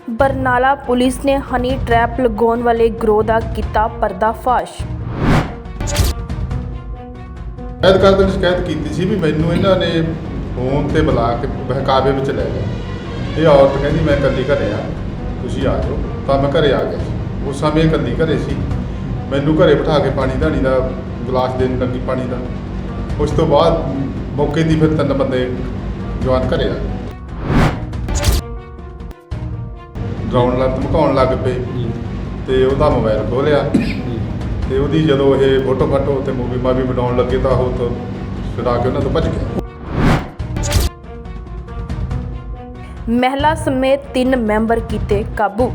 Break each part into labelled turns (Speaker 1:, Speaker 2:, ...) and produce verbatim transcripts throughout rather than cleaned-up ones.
Speaker 1: Barnala police ਨੇ honey trap ਲਗਾਉਣ ਵਾਲੇ ਗਰੋਹ ਦਾ ਕੀਤਾ ਪਰਦਾਫਾਸ਼।
Speaker 2: ਸ਼ਿਕਾਇਤ ਕਰਦੇ ਨੇ ਸ਼ਿਕਾਇਤ ਕੀਤੀ ਸੀ ਵੀ ਮੈਨੂੰ ਇਹਨਾਂ ਨੇ ਫੋਨ ਤੇ ਬੁਲਾ ਕੇ ਬਹਿਕਾਵੇ ਵਿੱਚ ਲੈ ਲਿਆ। ਇਹ ਔਰਤ ਕਹਿੰਦੀ ਮੈਂ ਇਕੱਲੀ ਘਰੇ ਆ, ਤੁਸੀਂ ਆ ਜਾਓ। ਤਾਂ ਮੈਂ ਘਰੇ ਆ ਗਿਆ ਸੀ। ਉਸ ਸਮੇਂ ਇਕੱਲੀ ਘਰੇ ਸੀ। ਮੈਨੂੰ ਘਰੇ ਬਿਠਾ ਕੇ ਪਾਣੀ ਧਾਣੀ ਦਾ ਗਲਾਸ ਦੇਣ ਲੱਗੀ ਪਾਣੀ ਦਾ। ਉਸ ਤੋਂ ਬਾਅਦ ਮੌਕੇ ਦੀ ਫਿਰ ਤਿੰਨ ਬੰਦੇ ਜਵਾਨ ਘਰੇ ਆ ਗਏ। ਡਰਾਉਣ ਲੱਗ ਧਮਕਾਉਣ ਲੱਗ ਪਏ ਤੇ ਉਹਦਾ ਮੋਬਾਈਲ ਖੋਲਿਆ ਤੇ ਉਹਦੀ ਜਦੋਂ ਇਹ ਫੋਟੋ ਫਾਟੋ ਤੇ ਮੂਵੀ ਮਾਵੀ ਬਣਾਉਣ ਲੱਗੇ ਤਾਂ ਉਹ ਤੋਂ ਛੁਡਾ ਕੇ ਉਹਨਾਂ ਤੋਂ ਭੱਜ ਗਿਆ।
Speaker 1: ਮਹਿਲਾ ਸਮੇਤ ਤਿੰਨ ਮੈਂਬਰ ਕੀਤੇ ਕਾਬੂ।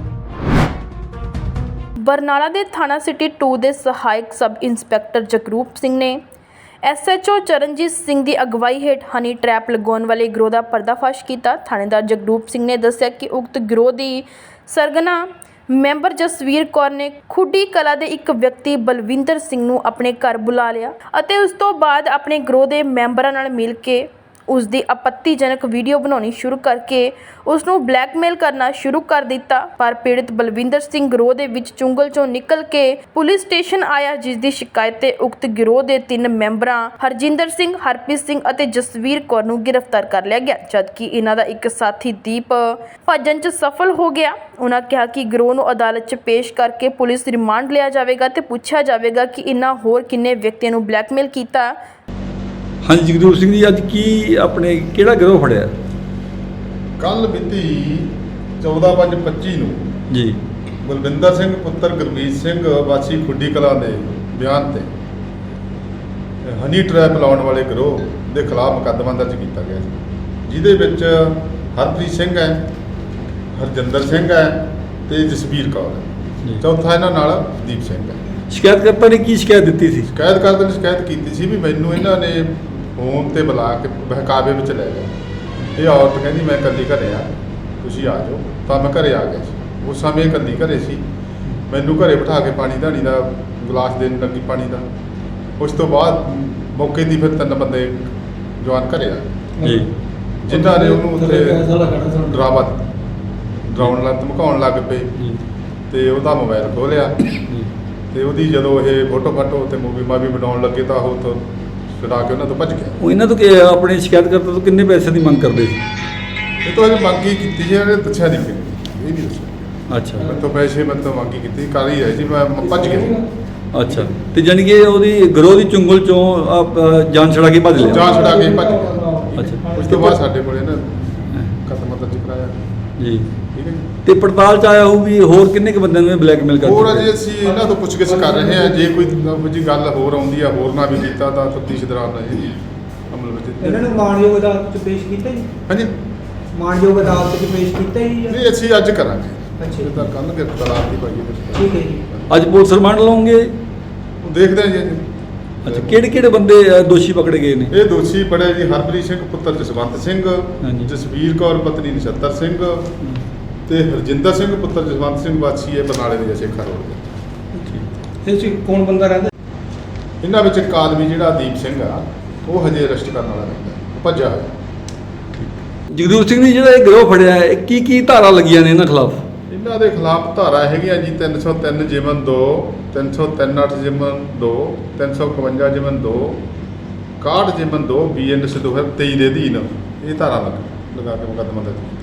Speaker 1: ਬਰਨਾਲਾ ਦੇ ਥਾਣਾ ਸਿਟੀ ਟੂ ਦੇ ਸਹਾਇਕ ਸਬ ਇੰਸਪੈਕਟਰ ਜਗਰੂਪ ਸਿੰਘ ਨੇ S H O Charanjit Singh ਦੀ ਅਗਵਾਈ ਹੇਠ ਹਨੀ ਟ੍ਰੈਪ ਲਗਾਉਣ ਵਾਲੇ ਗਰੋਹ ਦਾ ਪਰਦਾਫਾਸ਼ ਕੀਤਾ। ਥਾਣੇਦਾਰ ਜਗਰੂਪ ਸਿੰਘ ਨੇ ਦੱਸਿਆ ਕਿ ਉਕਤ ਗਰੋਹ ਦੀ ਸਰਗਨਾ ਮੈਂਬਰ ਜਸਵੀਰ ਕੌਰ ਨੇ ਖੁੱਡੀ ਕਲਾ ਦੇ ਇੱਕ ਵਿਅਕਤੀ ਬਲਵਿੰਦਰ ਸਿੰਘ ਨੂੰ ਆਪਣੇ ਘਰ ਬੁਲਾ ਲਿਆ ਅਤੇ ਉਸ ਤੋਂ ਬਾਅਦ ਆਪਣੇ ਗਰੋਹ ਦੇ ਮੈਂਬਰਾਂ ਨਾਲ ਮਿਲ ਕੇ ਉਸ ਦੀ ਆਪੱਤੀਜਨਕ ਵੀਡੀਓ ਬਣਾਉਣੀ ਸ਼ੁਰੂ ਕਰਕੇ ਉਸ ਨੂੰ ਬਲੈਕਮੇਲ ਕਰਨਾ ਸ਼ੁਰੂ ਕਰ ਦਿੱਤਾ। ਪਰ ਪੀੜਤ ਬਲਵਿੰਦਰ ਸਿੰਘ ਗਰੋਹ ਦੇ ਵਿੱਚ ਚੁੰਗਲ ਚੋਂ ਨਿਕਲ ਕੇ ਪੁਲਿਸ ਸਟੇਸ਼ਨ ਆਇਆ, ਜਿਸ ਦੀ ਸ਼ਿਕਾਇਤ ਤੇ ਉਕਤ ਗਰੋਹ ਦੇ ਤਿੰਨ ਮੈਂਬਰਾਂ ਹਰਜਿੰਦਰ ਸਿੰਘ, ਹਰਪ੍ਰੀਤ ਸਿੰਘ ਅਤੇ ਜਸਵੀਰ ਕੌਰ ਨੂੰ ਗ੍ਰਿਫਤਾਰ ਕਰ ਲਿਆ ਗਿਆ, ਜਦਕਿ ਇਹਨਾਂ ਦਾ ਇੱਕ ਸਾਥੀ ਦੀਪ ਭੱਜਣ 'ਚ ਸਫਲ ਹੋ ਗਿਆ। ਉਹਨਾਂ ਕਿਹਾ ਕਿ ਗਰੋਹ ਨੂੰ ਅਦਾਲਤ 'ਚ ਪੇਸ਼ ਕਰਕੇ ਪੁਲਿਸ ਰਿਮਾਂਡ ਲਿਆ ਜਾਵੇਗਾ ਤੇ ਪੁੱਛਿਆ ਜਾਵੇਗਾ ਕਿ ਇਹਨਾਂ ਹੋਰ ਕਿੰਨੇ ਵਿਅਕਤੀਆਂ ਨੂੰ ਬਲੈਕਮੇਲ ਕੀਤਾ।
Speaker 3: हाँ जी जगरूप सिंह जी, अज की अपने किहड़ा गिरोह फड़िया?
Speaker 2: ਕੱਲ ਮਿਤੀ ਚੌਦਾਂ ਪੰਜ ਪੱਚੀ ਨੂੰ
Speaker 3: जी
Speaker 2: ਬਲਵਿੰਦਰ ਸਿੰਘ ਪੁੱਤਰ ਗੁਰਮੀਤ ਸਿੰਘ ਵਾਸੀ ਖੁੱਡੀ ਕਲਾਂ ਦੇ ਬਿਆਨ ਤੇ ਹਨੀ ਟ੍ਰੈਪ ਲਾਉਣ ਵਾਲੇ ਗਰੋਹ ਦੇ ਖਿਲਾਫ ਮੁਕੱਦਮਾ ਦਰਜ ਕੀਤਾ ਗਿਆ ਸੀ, ਜਿਹਦੇ ਵਿੱਚ ਹਰਪ੍ਰੀਤ ਸਿੰਘ ਹੈ, ਹਰਜਿੰਦਰ ਸਿੰਘ ਹੈ ਤੇ ਜਸਵੀਰ ਕੌਰ ਹੈ। ਚੌਥਾ ਇਹਨਾਂ ਨਾਲ ਦੀਪ ਸਿੰਘ ਹੈ।
Speaker 3: शिकायतकर्ता ने की शिकायत दी थी?
Speaker 2: ਸ਼ਿਕਾਇਤ ਕਰਦੇ ਨੇ ਸ਼ਿਕਾਇਤ ਕੀਤੀ ਸੀ ਵੀ ਮੈਨੂੰ ਇਹਨਾਂ ਨੇ ਫੋਨ ਤੇ ਬੁਲਾ ਕੇ ਬਹਿਕਾਵੇ ਵਿੱਚ ਲੈ ਲਿਆ। ਇਹ ਔਰਤ ਕਹਿੰਦੀ ਮੈਂ ਇਕੱਲੀ ਘਰੇ ਆ, ਤੁਸੀਂ ਆ ਜਾਓ। ਤਾਂ ਮੈਂ ਘਰੇ ਆ ਗਿਆ ਸੀ। ਉਸ ਸਮੇਂ ਇਕੱਲੀ ਘਰੇ ਸੀ। ਮੈਨੂੰ ਘਰੇ ਬਿਠਾ ਕੇ ਪਾਣੀ ਧਾਣੀ ਦਾ ਗਲਾਸ ਦੇਣ ਲੱਗੀ ਪਾਣੀ ਦਾ। ਉਸ ਤੋਂ ਬਾਅਦ ਮੌਕੇ ਦੀ ਫਿਰ ਤਿੰਨ ਬੰਦੇ ਜਵਾਨ ਘਰੇ ਆ
Speaker 3: जी
Speaker 2: ਜਿਨ੍ਹਾਂ ਨੇ ਉਹਨੂੰ ਉੱਥੇ ਡਰਾਵਾ ਡਰਾਉਣ ਲੱਗ ਧਮਕਾਉਣ ਲੱਗ ਪਏ ਤੇ ਉਹਦਾ ਮੋਬਾਈਲ ਖੋਲਿਆ ਤੇ ਉਹਦੀ ਜਦੋਂ ਇਹ ਫੋਟੋ ਫਾਟੋ ਤੇ ਮੂਵੀ ਮਾਵੀ ਬਣਾਉਣ ਲੱਗੇ ਤਾਂ ਉਹ ਤੋਂ ਛੁਡਾ ਕੇ ਉਹਨਾਂ ਤੋਂ ਭੱਜ ਗਿਆ।
Speaker 3: ਉਹ ਇਹਨਾਂ ਤੋਂ ਕਿ ਆਪਣੇ ਸ਼ਿਕਾਇਤਕਰਤਾ ਤੋਂ ਕਿੰਨੇ ਪੈਸੇ ਦੀ ਮੰਗ ਕਰਦੇ ਸੀ?
Speaker 2: ਇਹ ਤੋਂ ਅਜੇ ਮੰਗੀ ਕੀਤੀ ਸੀ, ਇਹਨੇ ਦੱਸਿਆ ਨਹੀਂ ਕਿ ਇਹ ਨਹੀਂ ਦੱਸਿਆ।
Speaker 3: ਅੱਛਾ
Speaker 2: ਮੈਂ ਤੋਂ ਪੈਸੇ ਮੈਂ ਤੋਂ ਮੰਗੀ ਕੀਤੀ, ਕਰ ਹੀ ਰਹੀ ਸੀ, ਮੈਂ ਮੈਂ ਭੱਜ ਗਿਆ।
Speaker 3: ਅੱਛਾ, ਤੇ ਜਾਣੀ ਕਿ ਉਹਦੀ ਗਰੋਹ ਦੀ ਚੁੰਗਲ ਚੋਂ ਆਪ, ਜਾਨ ਛੜਾ ਕੇ ਭੱਜ ਲਿਆ?
Speaker 2: ਜਾਨ ਛੁਡਾ ਕੇ ਭੱਜ ਗਿਆ।
Speaker 3: ਅੱਛਾ,
Speaker 2: ਉਸ ਤੋਂ ਬਾਅਦ ਸਾਡੇ ਕੋਲੇ ਨਾ ਕਦਮ ਦਰਜ ਕਰਾਇਆ।
Speaker 3: ਜੀ
Speaker 2: ਠੀਕ ਹੈ ਜੀ।
Speaker 3: ਤੇ ਪੜਤਾਲ ਚ ਆਇਆ ਹੋਊ ਵੀ ਹੋਰ ਕਿੰਨੇ ਕੁ ਬੰਦਿਆਂ ਨੂੰ ਬਲੈਕਮੇਲ ਕਰਦੇ?
Speaker 2: ਹੋਰ ਅਜੇ ਅਸੀਂ ਇਹਨਾਂ ਤੋਂ ਪੁੱਛਗਿੱਛ ਕਰ ਰਹੇ ਹਾਂ। ਜੇ ਕੋਈ ਇਹੋ ਜਿਹੀ ਗੱਲ ਹੋਰ ਆਉਂਦੀ ਆ, ਹੋਰ ਨਾ ਵੀ ਕੀਤਾ ਤਾਂ ਤਫਤੀਸ਼ ਦੌਰਾਨ ਰਹੇ ਅਮਲ ਵਿੱਚ।
Speaker 4: ਇਹਨਾਂ ਨੂੰ ਮਾਣਯੋਗ ਅਦਾਲਤ 'ਚ ਪੇਸ਼ ਕੀਤਾ ਜੀ?
Speaker 2: ਹਾਂਜੀ,
Speaker 4: ਮਾਣਯੋਗ ਅਦਾਲਤ 'ਚ ਪੇਸ਼ ਕੀਤਾ ਜੀ?
Speaker 2: ਨਹੀਂ ਅਸੀਂ ਅੱਜ ਕਰਾਂਗੇ।
Speaker 4: ਅੱਛਾ।
Speaker 2: ਤਾਂ ਕੱਲ੍ਹ ਕੇ ਤਲਾਕ ਦੀ ਪਾਈਏ।
Speaker 4: ਠੀਕ ਹੈ ਜੀ।
Speaker 3: ਅੱਜ ਪੁਲਿਸ ਰਿਮਾਂਡ ਲਓਗੇ?
Speaker 2: ਉਹ ਦੇਖਦੇ ਹਾਂ ਜੀ ਅੱਜ।
Speaker 3: ਅੱਛਾ, ਕਿਹੜੇ ਕਿਹੜੇ ਬੰਦੇ ਅ, ਦੋਸ਼ੀ ਪਕੜੇ ਗਏ ਨੇ?
Speaker 2: ਇਹ ਦੋਸ਼ੀ ਪੜੇ ਜੀ ਹਰਪ੍ਰੀਤ ਸਿੰਘ ਪੁੱਤਰ ਜਸਵੰਤ ਸਿੰਘ,
Speaker 3: ਹਾਂਜੀ।
Speaker 2: ਜਸਵੀਰ ਕੌਰ ਪਤਨੀ ਨਛੱਤਰ ਸਿੰਘ ਤੇ ਹਰਜਿੰਦਰ ਸਿੰਘ ਪੁੱਤਰ ਜਸਵੰਤ ਸਿੰਘ ਵਾਸੀ ਹੈ ਬਰਨਾਲੇ ਦੇ ਜਸੇਖਾ ਰੋਡ ਦੇ।
Speaker 4: ਇਹ 'ਚ ਕੌਣ ਬੰਦਾ ਰਹਿੰਦਾ?
Speaker 2: ਇਹਨਾਂ ਵਿੱਚ ਇੱਕ ਆਦਮੀ ਜਿਹੜਾ ਦੀਪ ਸਿੰਘ ਆ, ਉਹ ਹਜੇ ਅਰੈਸਟ ਕਰਨ ਵਾਲਾ ਰਹਿੰਦਾ, ਉਹ ਭੱਜਿਆ ਹੋਇਆ।
Speaker 3: ਜਗਰੂਪ ਸਿੰਘ ਨੇ ਜਿਹੜਾ ਇਹ ਗਿਰੋਹ ਫੜਿਆ ਹੈ, ਕੀ ਕੀ ਧਾਰਾ ਲੱਗੀਆਂ ਨੇ ਇਹਨਾਂ ਖਿਲਾਫ?
Speaker 2: ਇਹਨਾਂ ਦੇ ਖਿਲਾਫ ਧਾਰਾ ਹੈਗੀਆਂ ਜੀ ਤਿੰਨ ਸੌ ਤਿੰਨ ਜਿਮਨ ਦੋ, ਤਿੰਨ ਸੌ ਤਿੰਨ ਅੱਠ ਜਿਮਨ ਦੋ, ਤਿੰਨ ਸੌ ਇਕਵੰਜਾ ਜਿਮਨ ਦੋ, ਇਕਾਹਠ ਜਿਮਨ ਦੋ, ਬੀ ਐਨ ਐਸ ਦੋ ਹਜ਼ਾਰ ਤੇਈ ਦੇ ਅਧੀਨ ਇਹ ਧਾਰਾ ਲੱਗ ਲਗਾ ਕੇ ਮੁਕੱਦਮਾ ਦਰਜ ਕੀਤਾ।